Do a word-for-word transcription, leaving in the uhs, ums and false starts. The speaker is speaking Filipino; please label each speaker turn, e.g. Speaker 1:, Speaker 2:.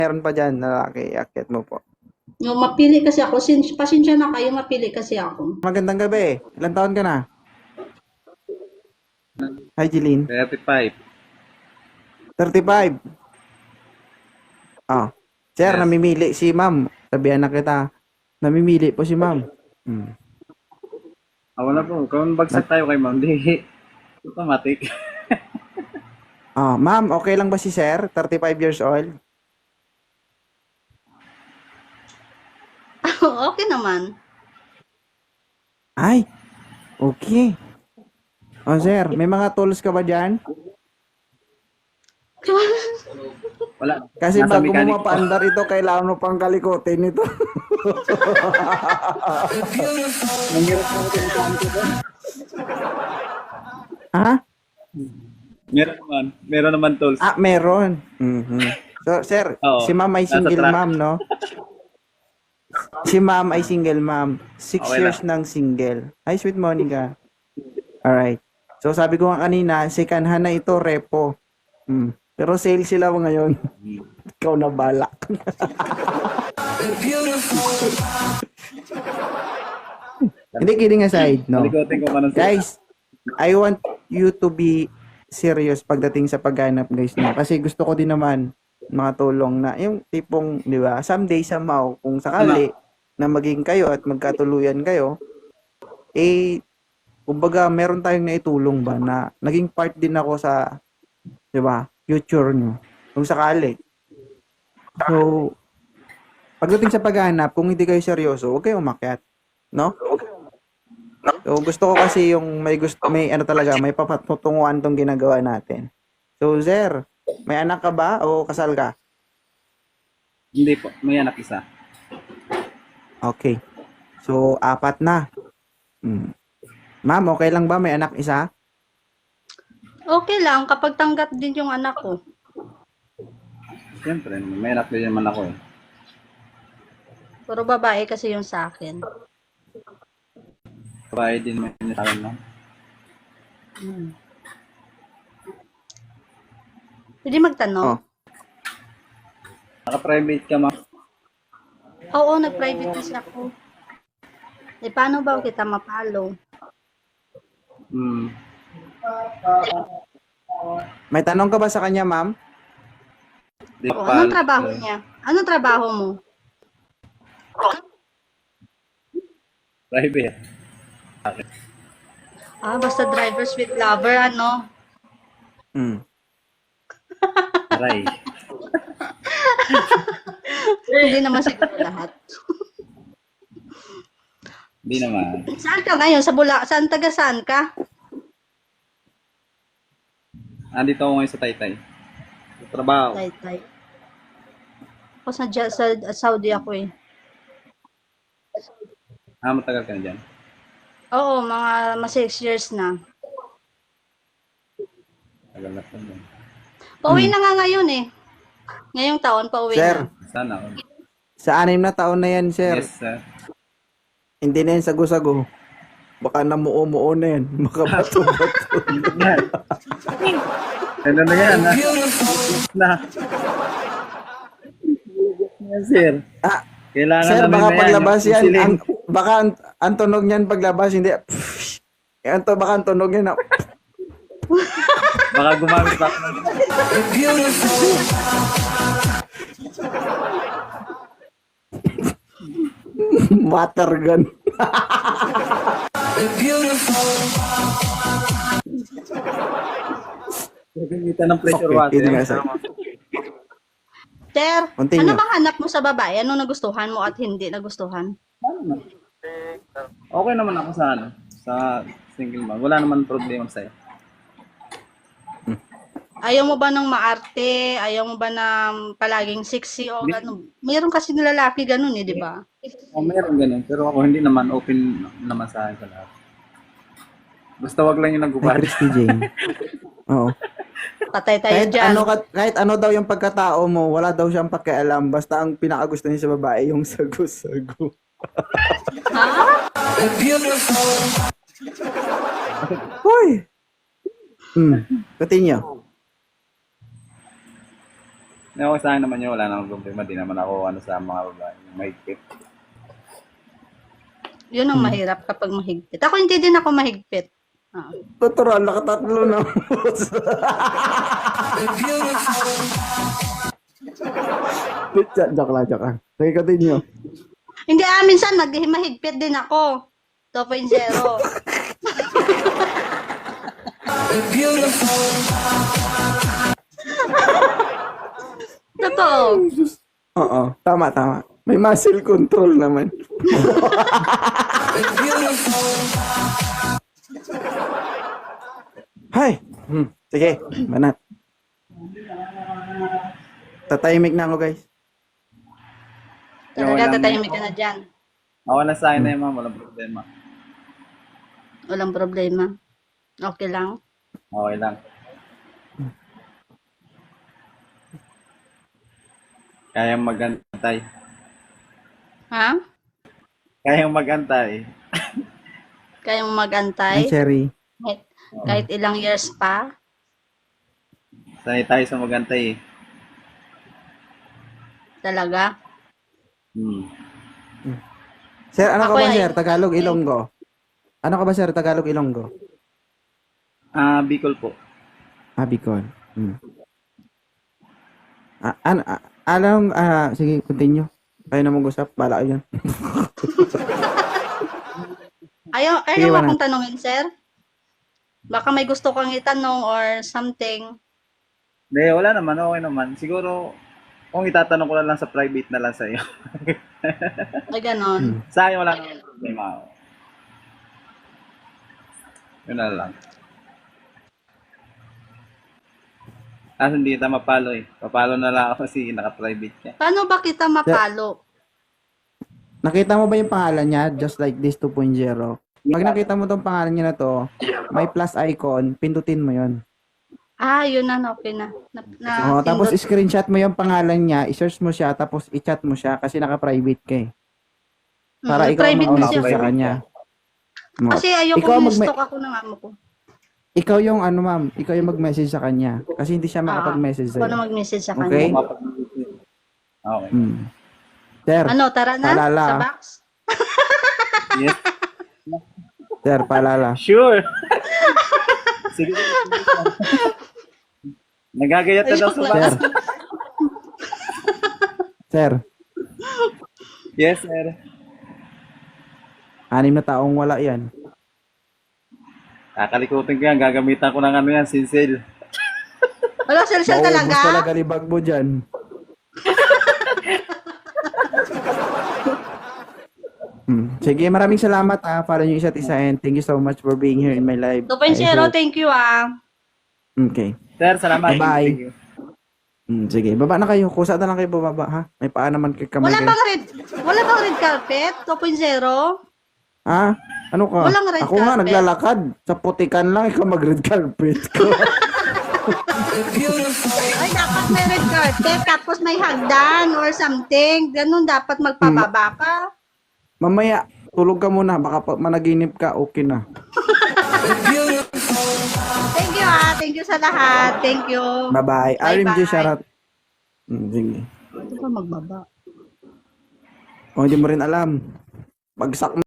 Speaker 1: meron pa dyan, lalaki, iakyat mo po.
Speaker 2: Yung mapili kasi ako, sin pasensya na kayo, mapili kasi ako.
Speaker 1: Magandang gabi. Ilan taon ka na? Hi, Jeline.
Speaker 3: thirty-five.
Speaker 1: thirty-five. Oh. Sir,
Speaker 3: Yes.
Speaker 1: namimili si ma'am. Sabihan na kita. Namimili po si ma'am. Hmm.
Speaker 3: Ah, wala po. Kung bagsak tayo kay ma'am, di automatic.
Speaker 1: Oh, ma'am, okay lang ba si sir? thirty-five years old?
Speaker 2: Okay naman.
Speaker 1: Ay, okay. Oh, sir, may mga tools ka ba dyan?
Speaker 3: Wala.
Speaker 1: Kasi
Speaker 3: Nasa
Speaker 1: bago mo
Speaker 3: mechanic po.
Speaker 1: mapaandar ito, kailangan mo pang kalikutin ito.
Speaker 3: Nangyarap po ako sa mechanic po.
Speaker 1: Ha?
Speaker 3: Meron naman. Meron naman tools.
Speaker 1: Ah, meron. Mhm. So, sir,
Speaker 3: Oo.
Speaker 1: si ma'am ay
Speaker 3: Nasa
Speaker 1: single
Speaker 3: truck.
Speaker 1: ma'am, no? Si ma'am ay single ma'am. Six
Speaker 3: Okay
Speaker 1: years nang single. Hi, sweet Monica. Alright. So, sabi ko nga kanina, second hand na ito, repo. Hmm. Pero sale sila ngayon. Ikaw na balak. Hindi, kidding aside, no?
Speaker 3: Malikotin ko pa ng
Speaker 1: Guys, I want you to be serious pagdating sa paghanap, guys, no? Kasi gusto ko din naman mga tulong na yung tipong, di ba, someday, somehow, kung sakali na maging kayo at magkatuluyan kayo, eh, kumbaga, meron tayong naitulong ba na naging part din ako sa, di ba, future nyo. Kung sakali. So, pagdating sa paghahanap, kung hindi kayo seryoso, huwag kayong umakyat. No? So, gusto ko kasi yung may gusto, may ano talaga, may papatutunguhan tong ginagawa natin. So, Zer, may anak ka ba o kasal ka?
Speaker 3: Hindi po. May anak isa.
Speaker 1: Okay. So, apat na. Hmm. Ma'am, okay lang ba may anak isa?
Speaker 2: Okay lang, kapag tanggap din yung anak ko.
Speaker 3: Siyempre, may anak din naman ako eh.
Speaker 2: Puro babae kasi yung sa akin.
Speaker 3: Babae din may sa akin, no?
Speaker 2: Hmm. Pwede magtanong?
Speaker 1: Oh.
Speaker 3: Naka-private ka, ma'am.
Speaker 2: Oo, nag-private kasi ako. Eh, paano ba kita mapalo?
Speaker 3: Hmm.
Speaker 1: May tanong ka ba sa kanya, ma'am?
Speaker 3: Di
Speaker 2: Oo,
Speaker 3: pa.
Speaker 2: anong trabaho niya? Anong trabaho mo?
Speaker 3: Private.
Speaker 2: Ah, basta drivers with lover, ano?
Speaker 1: Hmm.
Speaker 3: Aray.
Speaker 2: Hindi naman siguro lahat.
Speaker 3: Hindi naman.
Speaker 2: Saan ka ngayon? Sa Bula? Saan taga saan ka?
Speaker 3: Andito ako ngayon sa Taytay. Sa trabaho.
Speaker 2: Taytay. Ako sa, sa Saudi ako eh.
Speaker 3: Ah, matagal ka na dyan.
Speaker 2: Oo, mga, mga six years na.
Speaker 3: Tagal na po dyan.
Speaker 2: Pauwi na nga ngayon eh. Ngayong taon, pauwi
Speaker 1: Sir,
Speaker 2: na.
Speaker 3: Sana. all.
Speaker 1: sa anim na taon na yan, sir.
Speaker 3: Yes, sir.
Speaker 1: Hindi na yan sago-sago. Baka namuo-muo na yan. Makabato-bato.
Speaker 3: Yan. Ano na yan, ha? Na. Yan, sir.
Speaker 1: Ah,
Speaker 3: Kailangan
Speaker 1: sir,
Speaker 3: namin
Speaker 1: baka
Speaker 3: na yan,
Speaker 1: paglabas
Speaker 3: yung
Speaker 1: yan,
Speaker 3: siling.
Speaker 1: ang, baka ang, ang tunog niyan paglabas, hindi, pfft. Yan to, baka ang tunog yan, na,
Speaker 3: Baka gumamit pa. ako ng-
Speaker 1: water gun.
Speaker 3: Gagamitan ng pressure
Speaker 1: Okay,
Speaker 3: water.
Speaker 1: hindi nga, sir.
Speaker 2: Sir,
Speaker 1: Continue.
Speaker 2: ano bang hanap mo sa babae? Ano nagustuhan mo at hindi nagustuhan?
Speaker 3: Okay naman ako sa ano, sa single mom. Wala naman problema sa'yo.
Speaker 2: Ayaw mo ba ng maarte? Ayaw mo ba ng palaging sexy o ano? Mayroon kasi nilalaki ganun eh, di ba?
Speaker 3: Oh, meron ganun. Pero ako hindi naman open naman sa akin sa lahat. Basta wag lang yung
Speaker 1: Ay,
Speaker 3: nagubad.
Speaker 1: Christy Jane. Oo.
Speaker 2: Patay tayo
Speaker 1: Kahit
Speaker 2: dyan.
Speaker 1: ano, ka- kahit ano daw yung pagkatao mo, wala daw siyang pakialam. Basta ang pinakagusto niya sa babae, yung sago-sago.
Speaker 2: Ha?
Speaker 1: Hoy! Hmm. Continue.
Speaker 3: Okay sa akin naman yun, wala namang problema. Di naman ako ano sa mga babae. Mahigpit.
Speaker 2: Yun ang mahirap kapag mahigpit. Ako hindi din ako mahigpit. Ah.
Speaker 1: Natural, nakatatlo na. Joke lang, joke lang. Sige, continue.
Speaker 2: Hindi, ah, minsan nag mahigpit din ako. two point oh. Totoo.
Speaker 1: Oo, tama, tama. May muscle control naman. Hay! Hmm, sige, banat. Tatahimik na ako, guys.
Speaker 3: Yung
Speaker 2: Talaga,
Speaker 3: walang-
Speaker 2: tatahimik ka na dyan.
Speaker 3: Ako na sa akin na yun, ma'am. Walang problema.
Speaker 2: Walang problema. Okay lang.
Speaker 3: Okay lang. Kayang magantay.
Speaker 2: Ha?
Speaker 3: Kayang magantay.
Speaker 2: Kaya mo
Speaker 1: Hi,
Speaker 2: mag-antay?
Speaker 1: Cherry.
Speaker 2: Kahit, kahit ilang years pa?
Speaker 3: Sanay tayo sa magantay eh.
Speaker 2: Talaga?
Speaker 3: Hmm.
Speaker 1: Sir, ano ka
Speaker 2: Ako
Speaker 1: ba,
Speaker 2: ay-
Speaker 1: sir? Tagalog, Ilonggo? Ano ka ba, sir? Tagalog, Ilonggo?
Speaker 3: Ah, Bicol po.
Speaker 1: Ah, Bicol. Hmm. Ah, ano, ah, alam, ah, sige, continue. Kayo na mag-usap, bala kayo yan.
Speaker 2: Ayaw,
Speaker 1: Sige,
Speaker 2: ayaw
Speaker 1: Banat.
Speaker 2: akong tanungin, sir? Baka may gusto kang itanong or something.
Speaker 3: Hindi, wala naman. Okay naman. Siguro, kung itatanong ko na lang sa private na lang sa iyo.
Speaker 2: Ay, ganon.
Speaker 1: Hmm.
Speaker 3: Sa akin, wala naman problema. Yun na lang. Kaso hindi kita mapalo eh. Papalo na lang ako kasi naka-private ka.
Speaker 2: Paano ba kita mapalo?
Speaker 1: Nakita mo ba yung pangalan niya? Just like this two point oh. Pag nakita mo tong pangalan niya na to, may plus icon, pindutin mo yon.
Speaker 2: Ah, yun na, okay na. na, na
Speaker 1: Oh, tapos
Speaker 2: pindot.
Speaker 1: screenshot mo yung pangalan niya, i-search mo siya, tapos i-chat mo siya kasi naka-private ka eh. Para
Speaker 2: Mm,
Speaker 1: ikaw ang
Speaker 2: private
Speaker 1: mag-message
Speaker 2: kasi.
Speaker 1: sa
Speaker 3: Private
Speaker 1: kanya. Mo.
Speaker 2: Kasi ayoko
Speaker 1: Ikaw
Speaker 2: yung
Speaker 1: magme-
Speaker 2: stalk ako ng amo ko.
Speaker 1: Ikaw yung ano ma'am, ikaw yung mag-message sa kanya kasi hindi siya makapag-message
Speaker 2: Ako na
Speaker 1: sa'yo.
Speaker 2: mag-message sa
Speaker 1: Okay?
Speaker 2: kanya.
Speaker 3: Okay.
Speaker 1: Hmm. Sir,
Speaker 2: Ano, tara na?
Speaker 1: Paalala.
Speaker 2: Sa box?
Speaker 3: Yes.
Speaker 1: sir, paalala.
Speaker 3: Sure. Sige. Nagagayat na daw sa
Speaker 1: Sir.
Speaker 3: box.
Speaker 1: Sir,
Speaker 3: Yes, sir.
Speaker 1: anim na taong wala yan.
Speaker 3: Kakalikutin ko yan. Gagamitan ko ng ano yan, sinsil.
Speaker 2: Wala, sel-sel
Speaker 1: Maubos
Speaker 2: talaga?
Speaker 1: talaga libag mo dyan. Hmm. Sige, maraming salamat ha. Para yung isa't isa and thank you so much for being here in my life.
Speaker 2: two point
Speaker 1: I
Speaker 2: oh,
Speaker 1: hope-
Speaker 2: thank you ah.
Speaker 1: Okay.
Speaker 3: Sir, salamat.
Speaker 1: Bye-bye.
Speaker 3: Thank you.
Speaker 1: Hmm, sige, baba na kayo. Kusa na lang kayo bumaba ha. May paa naman kay kamay
Speaker 2: Wala
Speaker 1: kayo.
Speaker 2: bang red, wala bang red carpet? two point oh?
Speaker 1: Ha? Ano ka?
Speaker 2: Walang red
Speaker 1: Ako nga
Speaker 2: carpet.
Speaker 1: naglalakad. Sa putikan lang, ikaw mag-red carpet ko.
Speaker 2: Ay, dapat may red carpet, tapos may hagdan or something. Ganun, dapat magpababa ka.
Speaker 1: Mamaya, tulog ka muna. Baka pa managinip ka, okay na.
Speaker 2: Thank you ah, thank you sa lahat. Thank you.
Speaker 1: Bye-bye. R M J,
Speaker 2: Bye-bye.
Speaker 1: shoutout. Hmm, sige.
Speaker 2: Ito pa magbaba.
Speaker 1: O, hindi mo rin alam. Bagsak